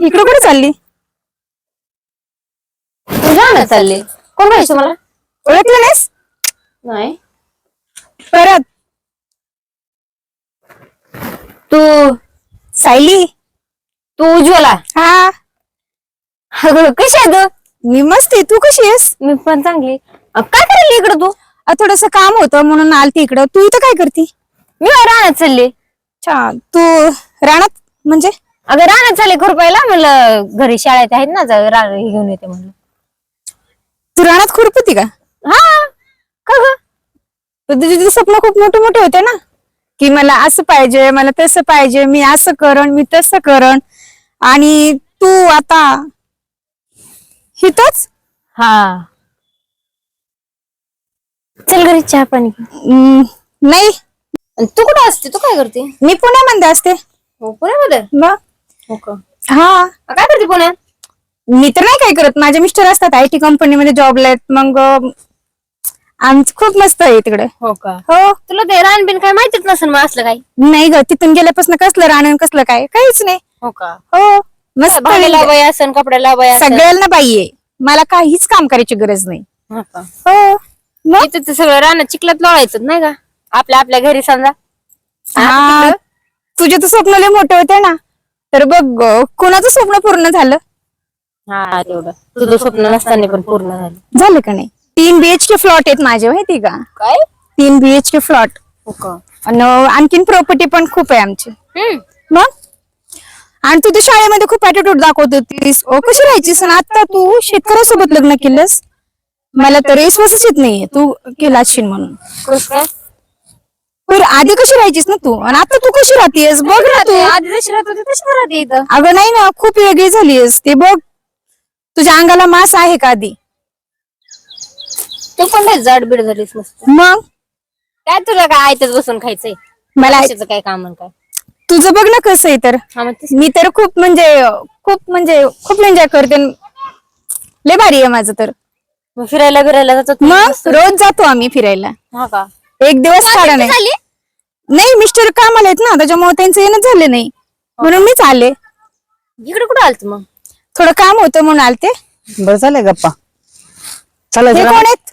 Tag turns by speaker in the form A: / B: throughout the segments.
A: इकडे कुठे चालली?
B: तुझ्या चालले कोण पाहिजे मला?
A: ओळखलं नाहीस?
B: नाही.
A: परत
B: तू
A: सायली.
B: तू उज्ज्वला.
A: हा,
B: अगं कशी आहे तू?
A: मी मस्त आहे. तू कशी आहेस?
B: मी पण चांगली. काय करायली इकडं तू?
A: थोडस काम होतं म्हणून आलती इकडं. तू इथं काय करते?
B: मी रानात चालले.
A: अच्छा, तू रानात म्हणजे?
B: अगं रानात चालले खुरपायला. म्हणलं घरी शाळेत आहेत ना, रान घेऊन येते म्हणलं.
A: तू रानात खुरपती का?
B: हा. का ग?
A: तुझे स्वप्न खूप मोठे मोठे होते ना, की मला असं पाहिजे, मला तसं पाहिजे, मी असं करण, मी तसं करण. आणि तू आता हितच?
B: हा. चल घरी चहा पाणी.
A: नाही,
B: तू कुठं असते? तू काय करते?
A: मी पुण्यामध्ये असते.
B: हो, पुण्यामध्ये.
A: मग
B: हो का?
A: हा,
B: काय करते पुण्यात?
A: मी तर नाही काय करत. माझे मिस्टर असतात IT कंपनीमध्ये जॉबला आहेत. मग आमचं खूप मस्त आहे तिकडे.
B: हो का?
A: हो.
B: तुला ते रानबीन काय माहितीच नसेल मग असलं काही.
A: नाही ग, तिथून गेल्यापासून कसलं राहणं कसलं काय काहीच नाही.
B: हो का?
A: हो, मस्त
B: भांड्याला बाई असन, कपड्याला बाई असन.
A: सगळ्यांना बाई आहे. मला काहीच काम करायची गरज नाही.
B: हो का?
A: हो. मग
B: इथं ते सगळं रानात चिखलात लोळायचं नाही का? आपल्या आपल्या घरी समजा.
A: हा, तुझे तर स्वप्न लय मोठे होते ना. तर बघ कुणाचं स्वप्न पूर्ण झालं?
B: हा, तेवढं तुझं स्वप्न नसताना पण पूर्ण झालं.
A: झालं का नाही? 3 BHK फ्लॉट आहेत माझे, माहिती का?
B: काय?
A: 3 BHK फ्लॉट.
B: हो का?
A: आणि आणखीन प्रॉपर्टी पण खूप आहे आमची. मग आणि तू तर शाळेमध्ये खूप ऍटिट्यूड दाखवत होतीस. कशी राहायचीस ना, आता तू शेतकऱ्यासोबत लग्न केलंस. मला तर विश्वासच येत नाहीये तू केला असशील म्हणून.
B: कसं काय?
A: पण आधी कशी राहायचीस ना तू, आणि आता तू कशी राहतेस बघ ना तू.
B: आधी जशी राहत होती तशी राहते इथं.
A: अगं नाही ना, खूप वेगळी झालीस. ते बघ, तुझ्या अंगाला मांस आहे का आधी?
B: तू पण लय जाडबीड झालीस मस्त.
A: मग
B: काय तुला काय आयतच बसून खायचंय?
A: मला
B: कशाचं काय काम आणि काय?
A: तुझं बघ ना कसं आहे. तर
B: हा, मग
A: मी तर खूप खूप एन्जॉय करते. लय भारी आहे माझं तर.
B: मग फिरायला जातो तू
A: मग
B: मस्त.
A: रोज जातो आम्ही फिरायला.
B: हा का?
A: एक दिवस काढा नाही.
B: झाली?
A: नाही, मिस्टर कामाला आहेत ना, त्याच्यामुळे त्यांचं येणं झालं नाही म्हणून मीच आले.
B: इकडे कुठं आलत मग?
A: थोडं काम होतं म्हणून आलते.
C: बरं झालंय गप्पा. चला
A: हे कोण आहेत?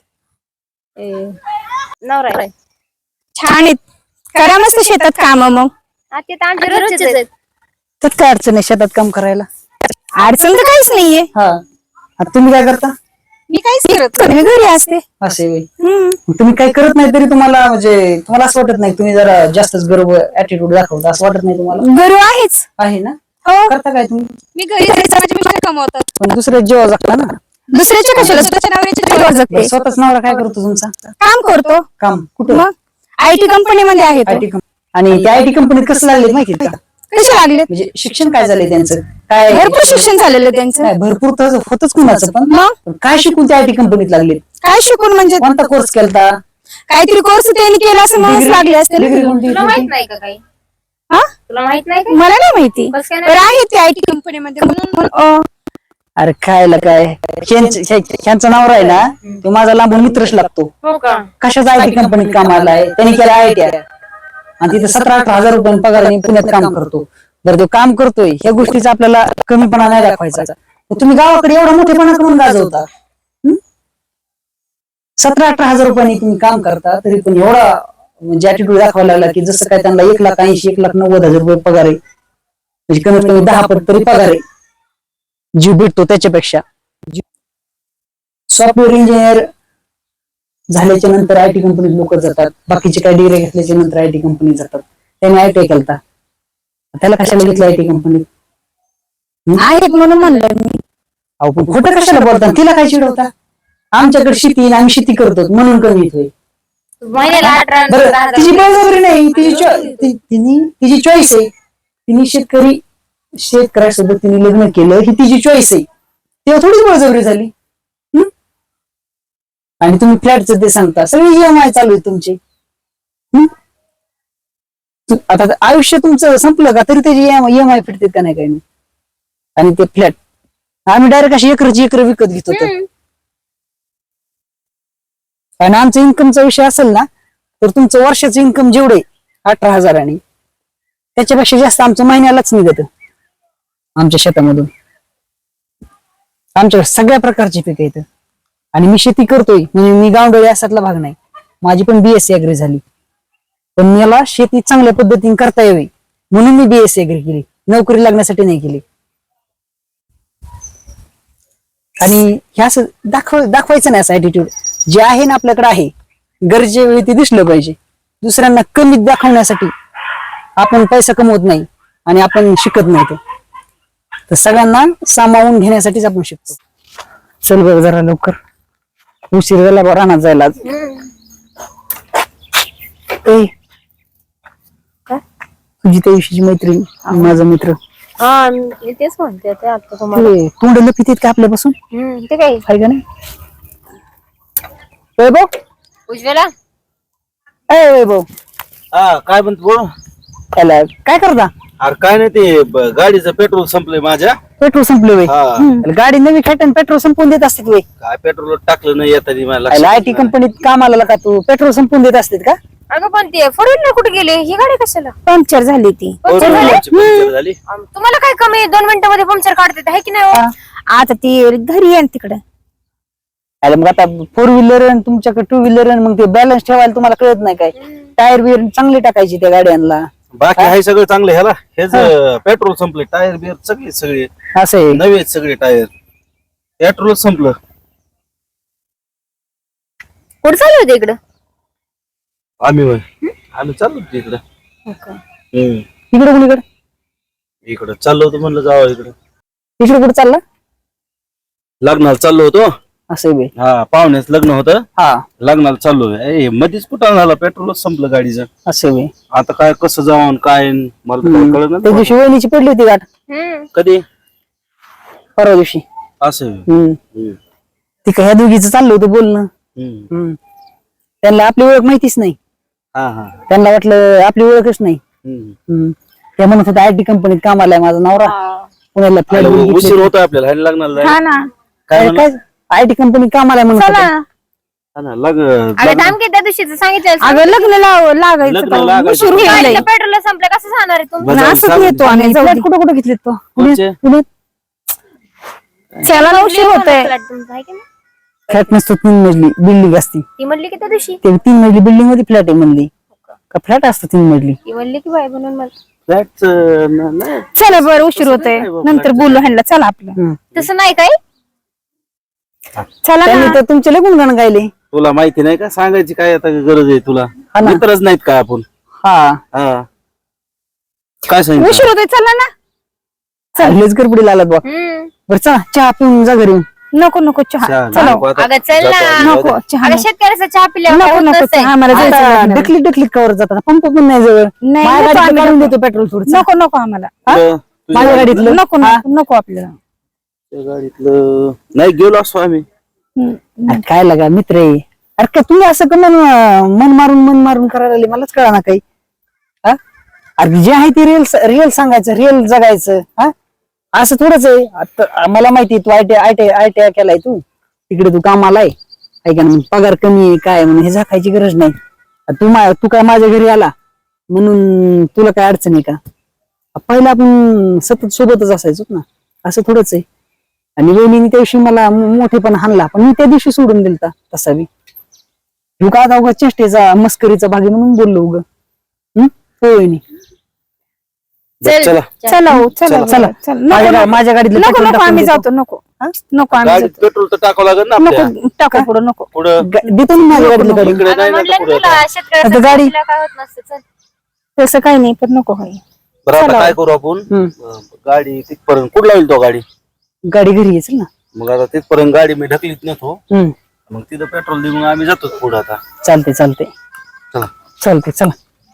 B: नवरा आहे.
A: छान आहेत. करा मस्त शेतात काम. मग
B: ते तर आमच्या रोजचेच आहेत.
C: त्यात काय अडचण आहे शेतात काम करायला?
A: अडचण तर काहीच नाहीये.
C: हा. आता तुम्ही काय करता?
A: मी काहीच करत नाही, मी घरी असते.
C: असे होय.
A: हम्म.
C: मग तुम्ही काही करत नाही तरी तुम्हाला म्हणजे तुम्हाला असं वाटत नाही तुम्ही जरा जास्तच गर्व ऍटिट्यूड दाखवता असं वाटत नाही तुम्हाला?
A: घरी आहेच.
C: आहे ना?
A: हो,
C: करता काय तुम्ही?
A: मी घरी जायचं, माझे मिस्टर कमवतात.
C: पण दुसऱ्या जीवा जगता ना.
A: दुसऱ्याच्या कशाला, स्वतःच्या नवऱ्याच्या जीवावर जगते.
C: स्वतःच नवरा काय करतो तुमचा?
A: काम करतो.
C: काम कुठं?
A: मग IT कंपनीमध्ये आहे तो.
C: IT company. आणि त्या IT कंपनीत कसं लागले माहिती का?
A: कसे लागले?
C: म्हणजे शिक्षण काय झालंय त्यांचं? काय
A: भरपूर शिक्षण झालेलं त्यांचं.
C: काय भरपूर तर होतच कुणाचं पण.
A: मग
C: पण काय शिकून त्या IT कंपनीत लागले?
A: काय शिकून म्हणजे?
C: कोणता कोर्स केलता?
A: काहीतरी कोर्स त्यांनी केला असं म्हणून लागले असते ना.
C: डिग्री कोणती?
B: तुला माहित नाही का काही?
A: हा?
B: तुला माहित नाही का?
A: मला नाही माहिती.
B: कसं काय
A: तर आहे ते IT कंपनीमध्ये म्हणून.
C: अरे खायला काय ह्यांचा नवरा आहे ना, तो माझा लांबून मित्रच लागतो.
B: हो का?
C: कशाचा IT कंपनीत कामाला आहे? त्यांनी केला ITI आणि तिथे 17-18 हजार रुपये पगाराने पुण्यात काम करतो. जर तो काम करतोय ह्या गोष्टीचा आपल्याला कमीपणा नाही दाखवायचा. तुम्ही गावाकडे एवढा मोठेपणा करून गाजवता. 17-18 हजार रुपयांनी तुम्ही काम करता तरी पण एवढा म्हणजे ऍटिट्यूड दाखवायला लागला की जसं काय त्यांना 1,80,000 1,90,000 रुपये पगार आहे. म्हणजे कमीत कमी 10 पट तरी पगार आहे. जीव भेटतो त्याच्यापेक्षा. सॉफ्टवेअर इंजिनियर झाल्याच्या नंतर IT कंपनीत लोक जातात. बाकीचे काही डिग्री घेतल्याच्या नंतर IT कंपनीत जातात. त्याने ITI केलता, त्याला कशाला घेतलं IT कंपनीत?
A: आहेत म्हणून म्हणलं मी.
C: अहो पण खोटं कशाला बोलता? तिला काय चिडवता? आमच्याकडे शेती आहे, आम्ही शेती करतो म्हणून कमी येतोय.
B: महिन्याला 18
C: बरं, तिची बळजबरी नाही, तिची चॉईस आहे. तिने शेतकऱ्यासोबत तिने लग्न केलं ही तिची चॉईस आहे. तेव्हा थोडीच बळजबरी झाली. आणि तुम्ही फ्लॅटचं ते सांगता, सगळी EMI चालू आहे तुमची. आता आयुष्य तुमचं संपलं का तरी त्याची EMI फिरते का नाही काही नाही. आणि ते फ्लॅट आम्ही डायरेक्ट अशी एकर विकत घेत होतो. आणि आमचा इन्कमचा विषय असेल ना तर तुमचं वर्षाचं इन्कम जेवढे 18,000 त्याच्यापेक्षा जास्त आमचं महिन्यालाच निघत आमच्या शेतामधून. आमच्याकडे सगळ्या प्रकारची पिकं येतं आणि मी शेती करतोय म्हणजे मी गावडोळी असातला भाग नाही. माझी पण BSc ऍग्री झाली, पण मला शेती चांगल्या पद्धतीने करता यावी म्हणून मी BSc ऍग्री केली, नोकरी लागण्यासाठी नाही केली. आणि हे असं दाखवायचं नाही असं ऍटिट्यूड. जे आहे ना आपल्याकडे आहे, गरजे वेळी ते दिसलं पाहिजे. दुसऱ्यांना कमी दाखवण्यासाठी आपण पैसा कमवत नाही आणि आपण शिकत नाही. तर सगळ्यांना सामावून घेण्यासाठीच आपण शिकतो. चल बघ जरा लवकर, उशीर झाला बा रानात जायला आज. ए, तुझी त्या दिवशीची मैत्रीण माझा मित्र
B: हा मी तेच म्हणते ते आता तुम्हाला.
C: ते तोंड लपित का आपल्यापासून,
B: ते काय
C: आहे का नाही? वैभव,
B: उज्ज्वला
C: वैभव,
D: हा काय म्हणतो बोल.
C: त्याला काय करता?
D: अरे काय नाही ते गाडीचं पेट्रोल संपलंय माझ्या.
C: पेट्रोल संपले वय?
D: हा.
C: गाडी नवी खेटन पेट्रोल संपवून देत असते वय?
D: काय पेट्रोल टाकलं नाही येताना मला लक्षात
C: IT कंपनीत कामाला का तू पेट्रोल संपवून देत असते का?
B: अगं पण ते फोर व्हीलर कुठे गेले? ही गाडी कशाला
A: पंक्चर झाली ती.
B: पंक्चर झाली?
D: पंक्चर झाली.
B: तुम्हाला काय कमी 2 मिनिटांमध्ये पंक्चर काढते आहे की नाही हो?
A: आता ती घरी आहे तिकडे.
C: अरे मग आता 4 व्हीलर तुमच्याकडे 2 व्हीलर, मग ते बॅलन्स ठेवायला तुम्हाला कळत नाही काय? टायर बियर चांगली टाकायची त्या गाड्यांना.
D: बाकी आहे सगळं चांगलं. ह्याला हेच पेट्रोल संपले, टायर बियर सगळे
C: असं आहे.
D: नवे आहेत सगळे टायर. पेट्रोल संपलं.
B: कुठे चालू होते इकडं?
D: आम्ही चाललो होतो इकडं.
C: इकडे कुणीकडे?
D: इकडं चाललो होतो, म्हणलं जावं इकडं.
C: इकडे कुठे चालला?
D: लग्नाला चाललो होतो.
C: असं आहे बे.
D: हा, पाहुण्याच लग्न होतं,
C: हा,
D: लग्नाला चाललोय. मध्येच कुठं झाला, पेट्रोलच संपलं गाडीचं.
C: असं आहे बे.
D: आता काय कसं जाऊन काय मला तर काय कळलं
C: त्या
D: नाही.
C: दिवशी वहिनीची पडली होती गाठ,
D: कधी
C: परवा दिवशी.
D: असं
C: ती का ह्या दोघीचं चाललं होतं बोलणं. त्यांना आपली ओळख माहितीच नाही.
D: हा हा.
C: त्यांना वाटलं आपली ओळखच नाही.
D: हम्म.
C: त्या म्हणत होत्या IT कंपनीत कामाला आहे माझा नवरा, पुण्याला फ्लॅट
D: उशीर होतो आपल्याला ह्याला लग्नाला जायला.
A: हा ना.
D: काय
C: काय IT कंपनीत कामाला आहे म्हणत
A: चला
C: होत्या.
A: ना.
D: हा ना,
B: अगं थांब की त्या दिवशीच सांगितलं
A: अगं लग्न लागायचं
D: लग्न
A: तर
D: लागायचं.
A: उशीर होईल.
B: पेट्रोल संपलं कसं जाणार आहे तुम्ही?
D: बजावून
A: असंच
D: सांगून
A: येतो आम्ही.
C: फ्लॅट कुठं कुठं घेतलेत तो?
D: कोणचे?
C: पुण्यात.
A: चला ना, उशीर होतोय.
B: फ्लॅट तुमचा आहे की नाही?
C: फ्लॅट नसतो, 3 मजली बिल्डिंग असती.
B: ती म्हणली की त्या दिवशी
C: ते 3 मजली बिल्डिंग मध्ये फ्लॅट आहे म्हणली का? फ्लॅट असतं 3 मजली.
B: ती म्हणली की बाय म्हणून मला
D: फ्लॅटचं नाही.
A: चला बरं, उशीर होतोय. नंतर बोलू ह्यांना. चला आपलं.
B: तसं नाही काय.
A: चला
C: त्यांनी
A: ना.
C: तर तुमचे लय गुणगाण गायले.
D: तुला माहिती नाही का, सांगायची काय आता गरज आहे तुला?
C: हा ना.
D: मित्रच नाहीत काय आपण?
C: हा,
D: हा, काय सांगितलं?
A: उशीर होतोय. चला ना.
C: चांगलेच गडबडीला आलात बा. बरं चला, चहा पिऊन जा घरी.
A: नको नको चहा.
D: चहा
A: चला.
D: नको आता.
B: अगं चल ना.
A: नको चहा.
B: अगं शेतकऱ्याचा चहा पिल्यावर काय
A: नको
B: होत
A: नको
B: नसतंय.
A: आम्हाला जायचं लग्नाला.
C: ढकली ढकली कवर जातात, पंप पण नाही जवळ.
A: नाही,
C: माझ्या
A: नको
C: गाडीतलं
A: आम्ही
C: काढून
A: नको.
C: देतो पेट्रोल थोडं.
A: नको नको आम्हाला.
D: तुझ्या
C: माझ्या गाडीतलं
A: नको नको नको आपल्याला.
D: गाडीतलं नाही गेलो असतो आम्ही.
C: अरे काय लागा मित्र आहे. अरे काय तुम्ही असं का मन मारून करायला लागले? मलाच कळा ना काही. हा, अरे जे आहे ते रिअल सांगायचं, रिअल जगायचं. हा, असं थोडंच आहे. आता मला माहिती तू ITI केलाय, तू तिकडे तू कामाला आहे का? पगार कमी आहे काय म्हणून हे झाकायची गरज नाही. तू काय माझ्या घरी आला म्हणून तुला काय अडचण आहे का? पहिला आपण सतत सोबतच असायचो ना, असं थोडंच आहे. आणि वहिनीने त्या दिवशी मला मोठेपण हाणला, पण मी त्या दिवशी सोडून दिलता तसा बी. तू का आता उगा चेष्टेचा मस्करीचा भागी म्हणून बोललो उग. हो वहिनी.
D: चला
A: चला हो, चला
C: चला.
A: चला. नको नको.
C: माझ्या गाडीतलं
A: नको
C: पेट्रोल
A: नको
C: टाकून
A: आम्ही
C: देतो.
A: जातो. नको नको आम्ही
D: गाडीत
A: जातो.
D: पेट्रोल तर टाकावं लागेल ना आपल्या.
A: नको टाका पुढं. नको.
D: पुढं
C: देतो ना माझ्या गाडीतलं काढून.
D: इकडे नाही ना
B: म्हटलं
D: पुढे.
B: तुला शेतकऱ्याचा
C: आता
B: चहा
C: गाडी-
B: पिल्यावर काय होत नसतं. चल.
A: तसं काही नाही, पण नको होई.
D: बरं आता काय करू आपण? गाडी तिथपर्यंत कुठं लावेल तो गाडी?
C: गाडी घरी येईल ना.
D: मग आता तिथपर्यंत गाडी मी ढकलीत नव्हतो.
C: हम्म.
D: मग तिथं पेट्रोल देऊन मग आम्ही जातो पुढे. आता
C: चालते
D: चला.
C: चला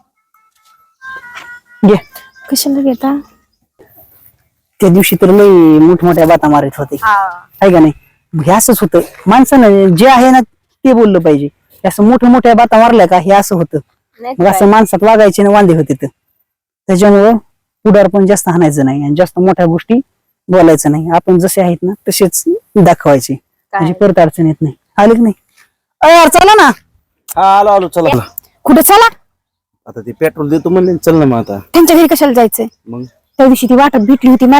C: घे.
A: कशाला घेता?
C: त्या दिवशी तर लई मोठमोठ्या बाता मारित होते, आहे का नाही? हे असंच होतं माणसानं जे आहे ना ते बोललं पाहिजे. हे असं मोठ्या बाता मारल्या का हे असं होतं.
B: नाही
C: मग असं माणसात वागायचे ना वांदे होते. त्याच्यामुळं पुढार पण जास्त हाणायचं नाही आणि जास्त मोठ्या गोष्टी बोलायचं नाही. आपण जसे आहेत ना तसेच दाखवायचे, म्हणजे परत अडचण येत नाही. आले की नाही? यार चला ना.
D: हा आलो चला.
A: कुठे चला?
D: आता ते पेट्रोल देतो म्हणले, चल ना मग आता.
A: त्यांच्या घरी कशाला जायचंय?
D: मग
A: त्या दिवशी ती वाटत भेटली होती मला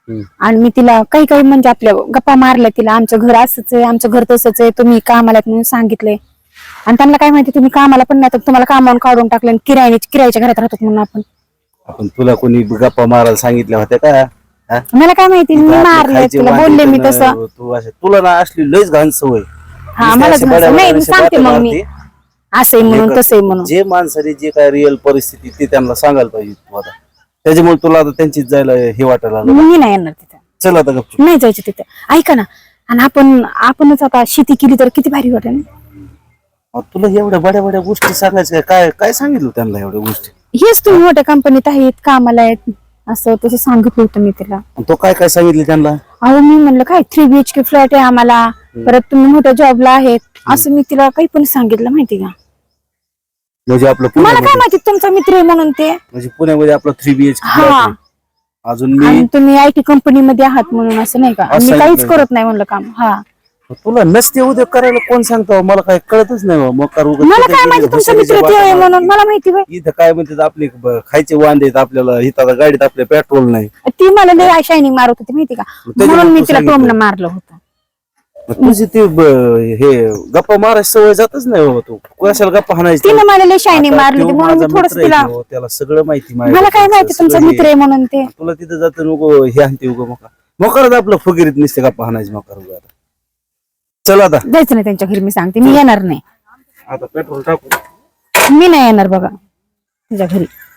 A: आणि मी तिला काही काही म्हणजे आपल्या गप्पा मारल्या तिला, आमचं घर असंच आहे, आमचं घर तसंच आहे, तुम्ही कामाला आहेत म्हणून सांगितलंय. आणि त्यांना काय माहिती तुम्ही कामाला पण नाही तर तुम्हाला कामावून काढून टाकलं आणि किरायाच्या घरात राहतो म्हणून
D: आपण तुला कोणी गप्पा मारायला सांगितल्या होत्या का? हा?
A: मला काय माहिती, मी
D: आपले
A: मारले
D: खायचे
A: तुला,
D: वांदे
A: बोलले मी
D: तर
A: तसं.
D: तू असे तुला ना असली लयच घाण सवय.
A: हा
D: नुसते
A: मला
D: असे बड्या
A: नाही, मी
D: बड्या
A: सांगते
D: बाता
A: मग मी
D: मारते.
A: असं आहे म्हणून तसं आहे म्हणून.
D: जे माणसाने जे काय रिअल परिस्थिती ते त्यांना सांगायला पाहिजे तू आता. त्याच्यामुळे तुला आता त्यांचीच जायला हे वाटायला लागलं.
A: मी नाही येणार तिथे,
D: चल आता गपचूप.
A: नाही जायचं तिथे. ऐका ना, आणि आपणच आता शेती केली तर किती भारी वाटेल ना.
D: तुला एवढ्या बड्या बड्या गोष्टी सांगायच्या काय काय सांगितलं त्यांना एवढ्या गोष्टी?
A: हेच तुम्ही मोठ्या कंपनीत आहेत, कामाला आहेत, असं तसं सांगितलं होतं मी तिला.
D: आणि तो काय काय सांगितलं त्यांना?
A: अहो मी म्हणलं काय 3 BHK फ्लॅट आहे आम्हाला, परत तुम्ही मोठ्या जॉबला आहेत, असं मी तिला काही पण सांगितलं माहिती का.
D: म्हणजे आपलं
A: मला काय
D: पुण्यामध्ये
A: माहिती तुमचा मित्र आहे म्हणून ते.
D: म्हणजे पुण्यामध्ये आपलं 3 BHK
A: हा.
D: flat आहे. अजून मी
A: आणि तुम्ही IT कंपनीमध्ये आहात म्हणून असं नाही का,
D: असं
A: मी काहीच
D: सांगितलं.
A: करत नाही म्हणलं काम. हा
D: तुला नसते उद्योग करायला कोण सांगतो? मला काय कळतच नाही मग कर उगाच
A: मला
D: कुठे
A: काय
D: गेली
A: माहिती तुमचा
D: घुसडीच्या
A: मित्र ते आहे
D: वाटेला.
A: म्हणून, मला माहिती होय.
D: इथं काय म्हणतात आपले खायचे वांदे आहेत आपल्याला, इथं आता गाडीत आपल्या पेट्रोल नाही.
A: ती मला लय शायनिंग मारत होती माहिती का,
D: त्याच्यामुळे
A: म्हणून मी
D: तू
A: तिला
D: सांगितलं.
A: टोमणं मारलं होतं.
D: मग तुझी ती हे गप्पा मारायची सवय जातच नाही बाबा. तू कशाला गप्पा हाणायची?
A: तिने मला लय शायनिंग
D: आता
A: मारली
D: तो
A: होती म्हणून
D: माझा
A: मी थोडस
D: मित्र आहे
A: तिला,
D: तो, त्याला सगळं माहिती
A: मला काय माहिती तुमचा
D: सगळं
A: मित्र आहे म्हणून ते.
D: तुला तिथं जातं नको हे आणते उगं मोकारच आपलं फुगिरीत नसते गप्पा हाणायची मोकार उगा. चल आता
A: जायचं नाही त्यांच्या घरी, मी सांगते मी येणार नाही,
D: आता पेट्रोल टाकू.
A: मी नाही येणार बघा तुझ्या घरी.